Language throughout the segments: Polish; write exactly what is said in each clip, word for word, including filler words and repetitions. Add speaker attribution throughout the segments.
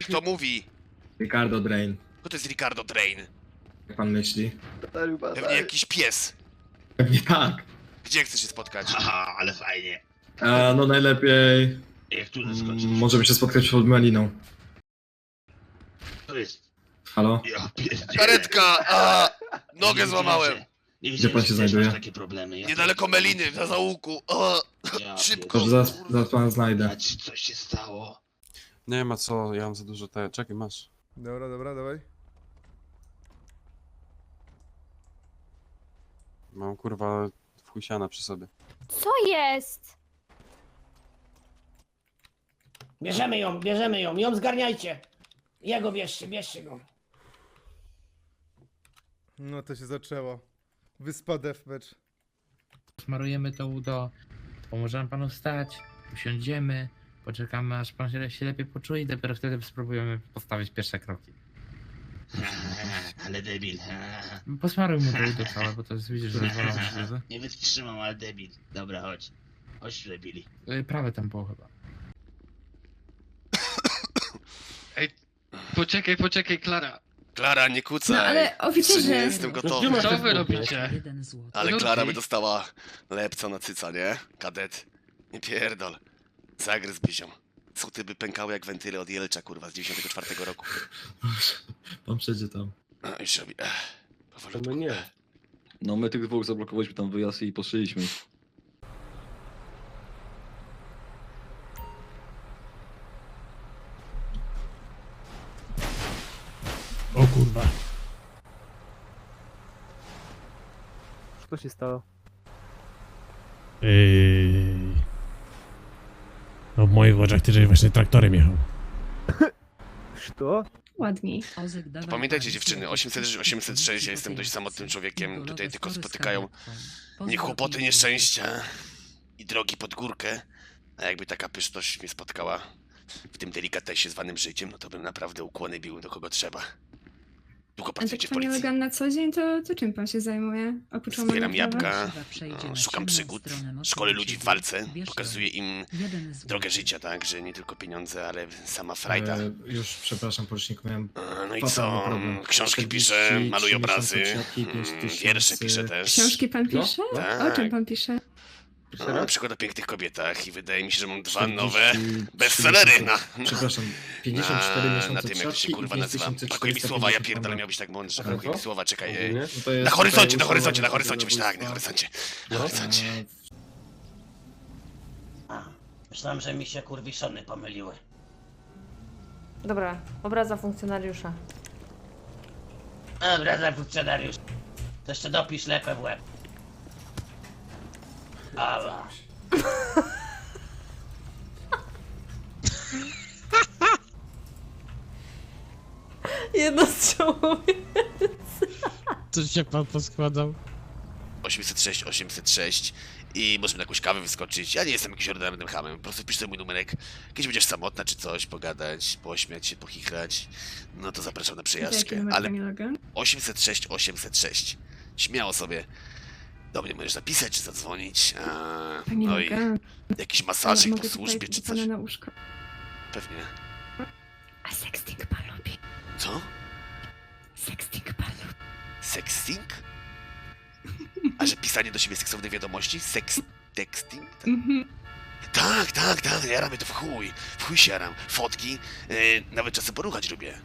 Speaker 1: Kto mówi?
Speaker 2: Ricardo Drain.
Speaker 1: Kto to jest Ricardo Drain?
Speaker 2: Jak pan myśli?
Speaker 1: Pewnie jakiś pies.
Speaker 2: Pewnie tak.
Speaker 1: Gdzie chcesz się spotkać?
Speaker 3: Haha, ale fajnie.
Speaker 2: A, no najlepiej...
Speaker 3: Jak tu
Speaker 2: Mm,
Speaker 3: zaskoczyć?
Speaker 2: możemy się spotkać przed Meliną.
Speaker 3: To jest...
Speaker 2: Halo?
Speaker 3: Ja pierdzielę.
Speaker 1: Karetka! A,
Speaker 3: Nie
Speaker 1: nogę
Speaker 3: wiedziałem,
Speaker 1: złamałem.
Speaker 3: że- Nie
Speaker 2: Gdzie pan
Speaker 3: wiedziałem,
Speaker 2: się
Speaker 3: że też
Speaker 2: znajduje?
Speaker 3: masz takie problemy. Ja
Speaker 1: Niedaleko Meliny, na załuku. A,
Speaker 3: Ja
Speaker 1: szybko.
Speaker 2: Dobrze, zaraz, zaraz pana znajdę.
Speaker 3: pierdolę. Czy coś się stało?
Speaker 4: Nie ma co, ja mam za dużo te... Czekaj, masz.
Speaker 5: Dobra, dobra, dawaj.
Speaker 4: Mam kurwa wchusiana przy sobie.
Speaker 6: Co jest?
Speaker 7: Bierzemy ją, bierzemy ją, ją zgarniajcie. Jego bierzcie, bierzcie go.
Speaker 5: No to się zaczęło. Wyspa Deathmatch.
Speaker 8: Smarujemy to udo, pomożemy panu wstać, usiądziemy, poczekamy aż pan się się lepiej poczuje i dopiero wtedy spróbujemy postawić pierwsze kroki.
Speaker 3: Ale debil.
Speaker 8: Posmaruj mu to udo całe, bo to jest, widzisz, że rozwalone śluzy.
Speaker 3: Nie wytrzymam, ale debil. Dobra, chodź. Chodź tu, debili.
Speaker 8: Y, Prawe tam było chyba.
Speaker 9: Poczekaj, poczekaj, Klara.
Speaker 1: Klara, nie kucaj.
Speaker 6: No ale
Speaker 1: Jeszcze nie
Speaker 6: oficerze,
Speaker 1: jestem gotowy.
Speaker 9: Co wy robicie?
Speaker 1: Ale
Speaker 9: No
Speaker 1: Klara
Speaker 9: ty.
Speaker 1: by dostała lepca na cyca, nie? Kadet. Nie pierdol. Zagryz byzią. Cuty by pękały jak wentyle od Jelcza, kurwa, z dziewięćdziesiątego czwartego roku.
Speaker 2: Pan przejdzie tam.
Speaker 1: A, już robi. Ech, powolutku.
Speaker 10: My nie. No my tych dwóch zablokowaliśmy tam wyjazd i poszyliśmy.
Speaker 8: O kurwa.
Speaker 9: Co się stało?
Speaker 11: Yy... No w moich oczach ty żeś właśnie traktorem jechał.
Speaker 9: Co?
Speaker 6: ładniej.
Speaker 1: Pamiętajcie dziewczyny, osiemset sześć, osiemset sześć, ja jestem dość samotnym człowiekiem, tutaj tylko spotykają mnie kłopoty, nieszczęścia i drogi pod górkę. A jakby taka pyszność mnie spotkała w tym delikatesie zwanym życiem, no to bym naprawdę ukłony bił do kogo trzeba. Długo
Speaker 6: A tak
Speaker 1: pracujecie w
Speaker 6: panie
Speaker 1: policji?
Speaker 6: Logan na co dzień, to, to czym pan się zajmuje? Oprócz
Speaker 1: Zbieram
Speaker 6: łamania prawa?
Speaker 1: jabłka, no, szukam przygód, szkolę ludzi w walce, pokazuję im drogę życia, tak, że nie tylko pieniądze, ale sama frajda.
Speaker 2: E, już przepraszam, poruczniku, miałem...
Speaker 1: A, No i
Speaker 2: fatalny
Speaker 1: co?
Speaker 2: problem.
Speaker 1: Książki
Speaker 2: czterdzieści
Speaker 1: piszę, maluję
Speaker 2: trzy
Speaker 1: obrazy,
Speaker 2: miesiące przesiadki, pięć
Speaker 1: mm,
Speaker 2: tysięcy-
Speaker 1: wiersze piszę też.
Speaker 6: Książki pan pisze?
Speaker 1: Tak.
Speaker 6: O czym pan pisze?
Speaker 1: No, na przykład o pięknych kobietach i wydaje mi się, że mam dwa
Speaker 2: czterdzieści
Speaker 1: nowe
Speaker 2: trzy
Speaker 1: bestsellery
Speaker 2: miesiące-
Speaker 1: na,
Speaker 2: Przepraszam, pięćdziesiąt cztery
Speaker 1: na,
Speaker 2: miesiące
Speaker 1: na tym, jak to się
Speaker 2: przesiadki i
Speaker 1: kurwa
Speaker 2: pięć
Speaker 1: nazywa.
Speaker 2: tysięcy
Speaker 1: Brakuje mi
Speaker 2: czterysta
Speaker 1: słowa, ja
Speaker 2: pięćdziesiąt
Speaker 1: pierdolę,
Speaker 2: mandatów.
Speaker 1: miał być tak mądrze,
Speaker 10: Aha.
Speaker 1: brakuje mi słowa, czekaj. e,
Speaker 2: No to jest
Speaker 1: Na horyzoncie,
Speaker 2: tutaj
Speaker 1: na horyzoncie, na
Speaker 2: ustawowe
Speaker 1: horyzoncie, myślę, tak, na
Speaker 2: zabójstwa.
Speaker 1: horyzoncie. Na
Speaker 10: No.
Speaker 1: horyzoncie.
Speaker 2: E,
Speaker 7: A, myślałem, że mi się kurwiszony pomyliły.
Speaker 6: Dobra, obraza funkcjonariusza.
Speaker 7: Dobra, za funkcjonariusz. To jeszcze dopisz lepę w łeb. Ala.
Speaker 6: Jedno strzałowe.
Speaker 11: Coś się pan poskładał?
Speaker 1: osiemset sześć, osiemset sześć i możemy na jakąś kawę wyskoczyć. Ja nie jestem jakimś ordynarnym hamem, po prostu wpisz sobie mój numerek. Kiedyś będziesz samotna czy coś, pogadać, pośmiać się, pochichrać. No to zapraszam na
Speaker 6: Jaki
Speaker 1: przejażdżkę,
Speaker 6: numer,
Speaker 1: ale
Speaker 6: panie Logan?
Speaker 1: osiemset sześć, osiemset sześć. Śmiało sobie do mnie możesz napisać czy zadzwonić. A,
Speaker 6: Panie
Speaker 1: no i
Speaker 6: Logan,
Speaker 1: jakiś
Speaker 6: ja
Speaker 1: masażyk
Speaker 6: mogę
Speaker 1: po
Speaker 6: tutaj
Speaker 1: służbie czy
Speaker 6: do pana
Speaker 1: coś.
Speaker 6: na łóżko.
Speaker 1: Pewnie.
Speaker 6: A sexting pan lubi?
Speaker 1: Co?
Speaker 6: Sexting pan lubi.
Speaker 1: Sexting? A że pisanie do siebie seksownej wiadomości? Sex... texting?
Speaker 6: Mhm.
Speaker 1: Tak, tak, tak, jaram mnie to w chuj. W chuj się jaram. Fotki, yy, nawet czasem poruchać lubię.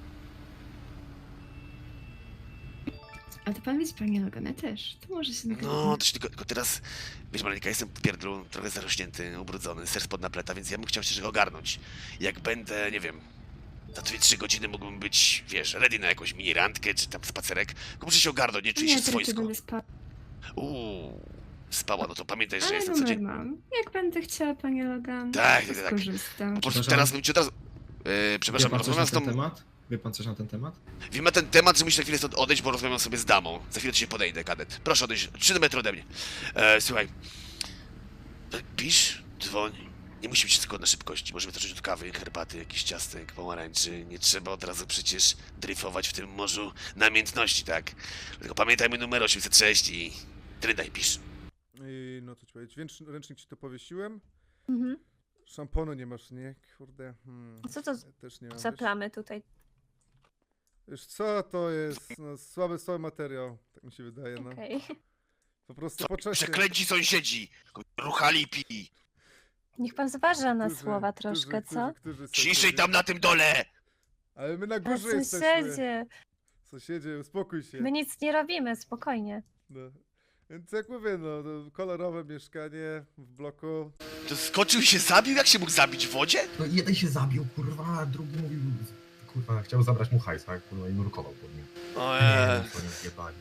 Speaker 6: A to pan widzi, panie Logan, ja też. To może się nagadać.
Speaker 1: No, to się tylko, tylko teraz... Wiesz, Maleńka, jestem w pierdlu, trochę zarośnięty, ubrudzony, ser spod napleta, więc ja bym chciał się ogarnąć. Jak będę, nie wiem... Za dwie trzy godziny mógłbym być, wiesz, ready na jakąś mini randkę, czy tam spacerek. Tylko muszę się ogarnąć, nie czuję się
Speaker 6: Nie, to raczej
Speaker 1: swojsko.
Speaker 6: będę spała.
Speaker 1: Uuu, spała, no to pamiętaj, że
Speaker 6: Ale
Speaker 1: jestem
Speaker 6: numer
Speaker 1: codziennie...
Speaker 6: mam. Jak będę chciała, panie Logan,
Speaker 1: Tak,
Speaker 6: to
Speaker 1: tak, tak.
Speaker 6: skorzystam.
Speaker 1: Po prostu
Speaker 2: Przepraszam.
Speaker 1: teraz bym ci od razu... Yy,
Speaker 2: Wie
Speaker 1: przepraszam,
Speaker 2: pan coś na
Speaker 1: rozmawiam z
Speaker 2: ten
Speaker 1: tą...
Speaker 2: temat? Wie pan coś na ten temat?
Speaker 1: Wiem na ten temat, że muszę na chwilę stąd odejść, bo rozmawiam sobie z damą. Za chwilę do ciebie podejdę, kadet. Proszę odejść, trzy metry ode mnie. E, słuchaj. Pisz, dzwoń. Nie musi być wszystko na szybkości. Możemy zacząć od kawy, herbaty, jakiś ciastek, pomarańczy. Nie trzeba od razu przecież dryfować w tym morzu namiętności, tak? Tylko pamiętajmy numer osiemset sześć i... Tyle daj, pisz.
Speaker 5: I no to ci powiedzieć, Ręcz, ręcznik ci to powiesiłem.
Speaker 6: Mhm.
Speaker 5: Szamponu nie masz, nie? Kurde. Hmm.
Speaker 12: Co to
Speaker 5: Ja też nie mam.
Speaker 12: za
Speaker 5: Wiesz,
Speaker 12: plamy tutaj?
Speaker 5: wiesz co to jest? No, słaby, słaby materiał. Tak mi się wydaje, no.
Speaker 12: Okej.
Speaker 5: Po prostu
Speaker 1: Co,
Speaker 5: po czasie.
Speaker 1: przeklęci sąsiedzi! Ruchali pi!
Speaker 12: Niech pan zważa na
Speaker 5: Którzy-
Speaker 12: słowa
Speaker 5: którzy-
Speaker 12: troszkę, co?
Speaker 5: którzy- którzy
Speaker 1: Ciszej
Speaker 5: sąsiedzi?
Speaker 1: tam na tym dole!
Speaker 5: Ale my na
Speaker 12: A
Speaker 5: górze jesteśmy.
Speaker 12: sąsiedzie,
Speaker 5: Sąsiedzie, uspokój się.
Speaker 12: my nic nie robimy, spokojnie.
Speaker 5: No. Więc jak mówię, no, no, kolorowe mieszkanie w bloku.
Speaker 1: To skoczył i się zabił? Jak się mógł zabić w wodzie?
Speaker 13: No jeden się zabił, kurwa, a drugi mówił, kurwa, chciał zabrać mu hajs, tak? Kurwa, i nurkował pod nim.
Speaker 1: O
Speaker 13: Nie wiem,
Speaker 1: eee.
Speaker 13: co oni zjebali.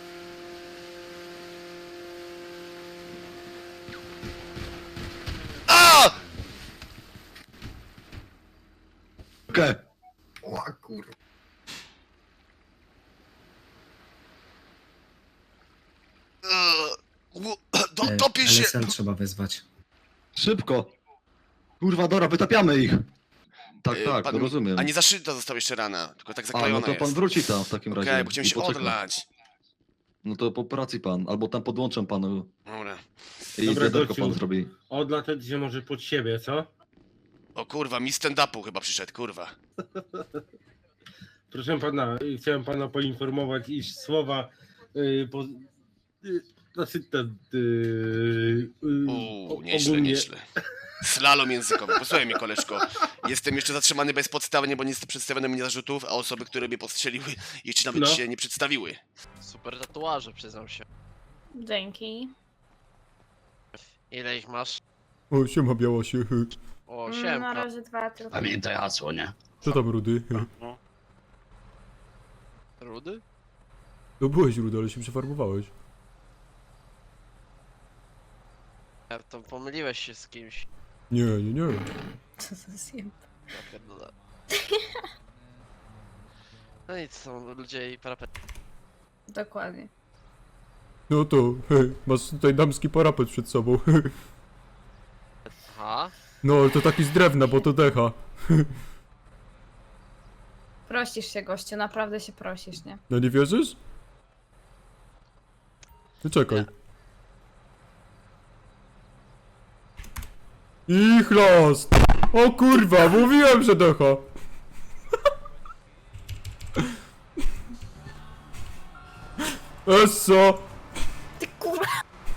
Speaker 1: A!
Speaker 10: Okej.
Speaker 13: O, kurwa.
Speaker 1: Eee, u- Do,
Speaker 2: E,
Speaker 1: topię się!
Speaker 2: L S M trzeba wezwać.
Speaker 10: Szybko. Kurwa, dobra, wytapiamy ich. Tak,
Speaker 1: E,
Speaker 10: tak,
Speaker 1: pan-
Speaker 10: to rozumiem.
Speaker 1: A nie zaszyta została jeszcze rana, tylko tak
Speaker 10: A,
Speaker 1: zaklejona
Speaker 10: no to pan
Speaker 1: jest.
Speaker 10: wróci tam w takim
Speaker 1: Okej,
Speaker 10: razie.
Speaker 1: bo chciałem
Speaker 10: i
Speaker 1: się
Speaker 10: poczeka.
Speaker 1: odlać.
Speaker 10: No to po pracy pan, albo tam podłączę panu
Speaker 1: Dobra.
Speaker 10: i
Speaker 9: Dobra,
Speaker 10: wiaderko
Speaker 9: gościu.
Speaker 10: pan zrobi.
Speaker 9: Odlatać się może pod siebie, co?
Speaker 1: O kurwa, mi stand-upu chyba przyszedł, kurwa.
Speaker 9: Proszę pana, y, chciałem pana poinformować, iż słowa y, po, y, znaczy ten y, y,
Speaker 1: Uuu,
Speaker 9: o-
Speaker 1: nieźle,
Speaker 9: ogólnie-
Speaker 1: nieźle. Slalom językowy. Posłuchaj mnie, koleżko. Jestem jeszcze zatrzymany bezpodstawnie, bo nie przedstawiono mi zarzutów, a osoby, które mnie postrzeliły, jeszcze nawet
Speaker 9: No.
Speaker 1: się nie przedstawiły.
Speaker 7: Super tatuaże, przyznam się.
Speaker 12: Dzięki.
Speaker 7: Ile ich masz?
Speaker 2: O, siema Białosie.
Speaker 7: O,
Speaker 12: Mm,
Speaker 7: siemka.
Speaker 12: Na razie dwa tylko.
Speaker 3: Pamiętaj hasło, nie?
Speaker 2: Co tam Rudy?
Speaker 7: Rudy?
Speaker 2: No byłeś Rudy, ale się przefarbowałeś.
Speaker 7: Ja to pomyliłeś się z kimś.
Speaker 2: Nie, nie, nie.
Speaker 12: Co za zjem.
Speaker 7: Ja pierdolę. No nic, są ludzie i parapet.
Speaker 12: Dokładnie.
Speaker 2: No to, hej, masz tutaj damski parapet przed sobą.
Speaker 7: Aha.
Speaker 2: No, ale to taki z drewna, bo to decha.
Speaker 12: Prosisz się, gościu, naprawdę się prosisz, nie?
Speaker 2: No nie wierzysz? To czekaj. Ich los! O kurwa, mówiłem, że decha! Esso!
Speaker 12: Ty kurwa!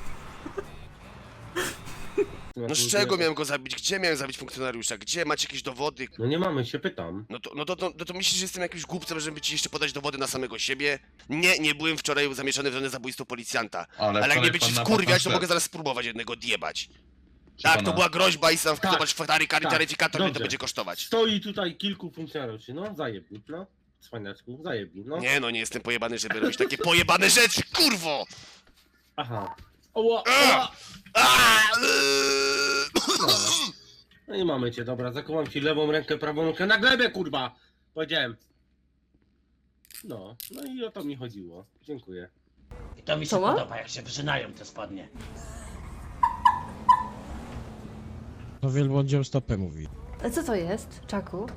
Speaker 1: No z czego miałem go zabić? Gdzie miałem zabić funkcjonariusza? Gdzie? Macie jakieś dowody?
Speaker 9: No nie mamy, się pytam.
Speaker 1: No to, no to, to, no to myślisz, że jestem jakimś głupcem, żeby ci jeszcze podać dowody na samego siebie? Nie, nie byłem wczoraj zamieszany w żadne zabójstwo policjanta. Ale, jak nie będziesz wkurwiać, to mogę zaraz spróbować jednego odjebać. Tak, to była groźba i sam
Speaker 9: Tak,
Speaker 1: zobacz fotary,
Speaker 9: tak,
Speaker 1: taryfikator, ile to
Speaker 9: dobrze.
Speaker 1: będzie kosztować.
Speaker 9: Stoi tutaj kilku funkcjonariuszy, no zajebni, no. Cwaniaczku, zajebni, no.
Speaker 1: Nie no, nie jestem pojebany, żeby robić takie pojebane rzeczy, kurwo!
Speaker 9: Aha. Oła,
Speaker 1: A!
Speaker 9: oła.
Speaker 1: A!
Speaker 9: No. No i mamy cię, dobra, zakuwam ci lewą rękę, prawą rękę na glebę, kurwa! Powiedziałem. No, no i o to mi chodziło. Dziękuję.
Speaker 3: I to mi się
Speaker 12: Co ma?
Speaker 3: podoba, jak się wrzynają te spodnie.
Speaker 11: No wielbłądziom stopę mówi.
Speaker 12: A co to jest, Czaku?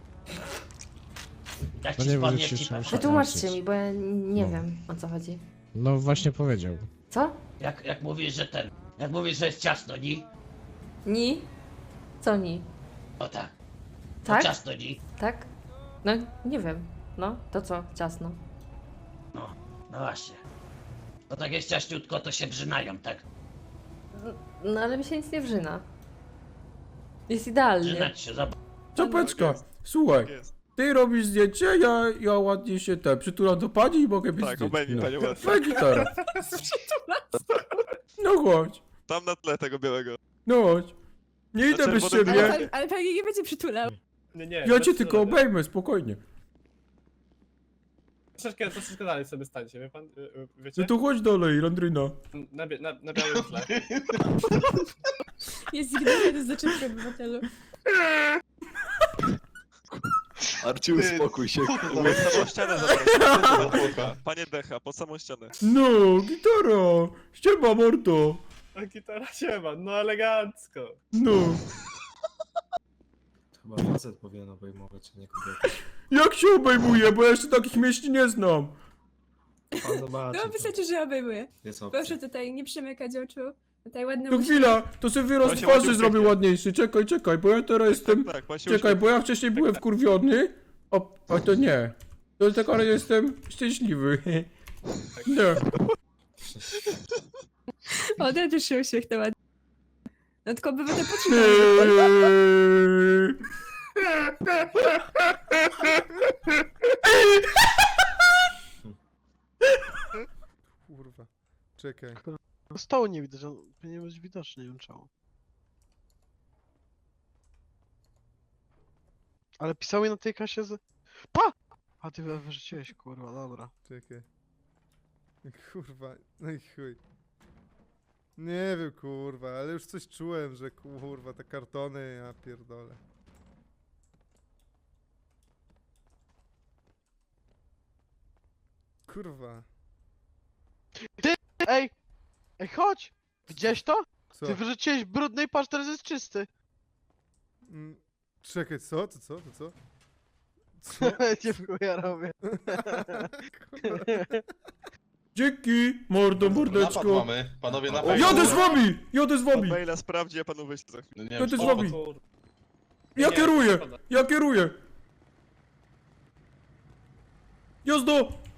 Speaker 3: Jak
Speaker 11: No
Speaker 3: ci
Speaker 11: nie
Speaker 3: spodnie
Speaker 11: wiem,
Speaker 3: w
Speaker 11: czy
Speaker 3: cipę
Speaker 11: się-
Speaker 3: wchodzą.
Speaker 12: Wytłumaczcie mi, bo ja nie
Speaker 11: No.
Speaker 12: wiem, o co chodzi.
Speaker 11: No właśnie powiedział.
Speaker 12: Co?
Speaker 3: Jak, jak mówisz, że ten... Jak mówisz, że jest ciasno, ni?
Speaker 12: Ni? Co ni?
Speaker 3: O tak.
Speaker 12: Tak?
Speaker 3: To ciasno, ni?
Speaker 12: Tak? No, nie wiem. No, to co? Ciasno.
Speaker 3: No, no właśnie. No tak jest ciaśniutko, to się wrzynają, tak?
Speaker 12: No, ale mi się nic nie wrzyna. Jest idealnie.
Speaker 3: Wrzynać się, zobacz.
Speaker 2: Czapeczka, słuchaj. Ty robisz zdjęcie, ja, ja ładnie się te przytulam do pani i mogę być
Speaker 14: Tak,
Speaker 2: zdjęcie.
Speaker 14: obejmij
Speaker 2: no.
Speaker 14: panią ładnie.
Speaker 2: Faj gitara. No chodź,
Speaker 14: Tam na tle tego białego.
Speaker 2: no chodź. Nie
Speaker 14: Na
Speaker 2: idę bez
Speaker 14: czerwonym
Speaker 2: ciebie.
Speaker 14: dywanie.
Speaker 12: ale pewnie nie będzie przytulał.
Speaker 14: Nie, nie.
Speaker 2: Ja cię tylko obejmę, spokojnie.
Speaker 14: Troszeczkę, troszeczkę dalej sobie stańcie, wie pan? Wiecie?
Speaker 2: No to chodź dalej, Landryna.
Speaker 14: Na, na, na białym tle.
Speaker 12: Jest zignorowany z zaczepki obywatelu.
Speaker 10: Arci, uspokój się.
Speaker 14: Pod samą ścianę zapraszam. Panie Decha, pod samą ścianę.
Speaker 2: No, gitara. Ściema mordo.
Speaker 14: A gitara się ma, no elegancko.
Speaker 2: No.
Speaker 5: Chyba facet powinien obejmować, a nie kobieta.
Speaker 2: Jak się obejmuje, bo ja jeszcze takich mieści nie znam.
Speaker 5: Pan zobaczy.
Speaker 6: No wystarczy, że obejmuję.
Speaker 5: Jest opcja.
Speaker 6: Proszę tutaj nie przymykać oczu. Tutaj ładny
Speaker 2: To
Speaker 6: uśmiech.
Speaker 2: chwila, to sobie wyraz
Speaker 14: Właśnie
Speaker 2: twarzy
Speaker 14: ładnie
Speaker 2: zrobię
Speaker 14: uśmiechnie.
Speaker 2: ładniejszy. Czekaj, czekaj, bo ja teraz jestem...
Speaker 14: Tak, właśnie
Speaker 2: Czekaj,
Speaker 14: uśmiech-
Speaker 2: bo ja wcześniej byłem wkurwiony. O, o to nie. To tak, ale jestem szczęśliwy. No.
Speaker 6: O, ja też się uśmiechnę ładnie. No tylko by to poczekać.
Speaker 5: Kurwa. Czekaj.
Speaker 15: Stołu nie widać, on powinien być widoczny, nie wiem czemu. Ale pisał mi na tej kasie z... Pa! A ty wyrzuciłeś, kurwa, dobra.
Speaker 5: Czekaj. Kurwa, no i chuj. Nie wiem, kurwa, ale już coś czułem, że kurwa, te kartony, ja pierdolę. Kurwa.
Speaker 15: Ty, ej! Ej, chodź! Widziałeś to?
Speaker 5: Co?
Speaker 15: Ty wyrzuciłeś brudny i patrz, teraz jest czysty.
Speaker 5: Mm, Czekaj, co? To co? To co? Co?
Speaker 15: Nie w chuja robię.
Speaker 2: Dzięki, mordo, mordeczko.
Speaker 14: mamy. Panowie na
Speaker 2: Jadę z wami! Jadę z wami!
Speaker 14: Maila sprawdzi, a panu wyślę za chwilę.
Speaker 2: Jadę z wami! Ja kieruję! Ja kieruję! Jazdo!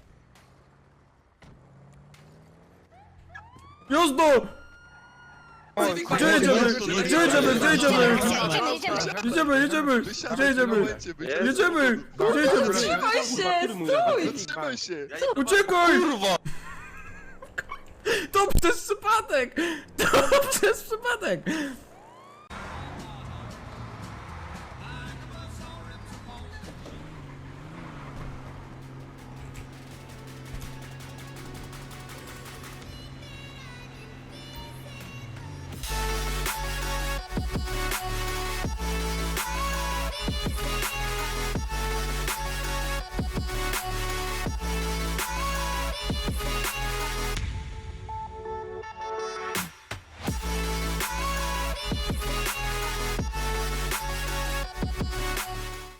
Speaker 2: Jazdo! Gdzie jedziemy? Gdzie jedziemy? Gdzie jedziemy? Jedziemy, jedziemy! Gdzie jedziemy? Jedziemy! Gdzie jedziemy?
Speaker 6: Trzymaj się! Stój!
Speaker 14: Zatrzymaj się!
Speaker 2: Uciekaj! To przez przypadek! To przez przypadek!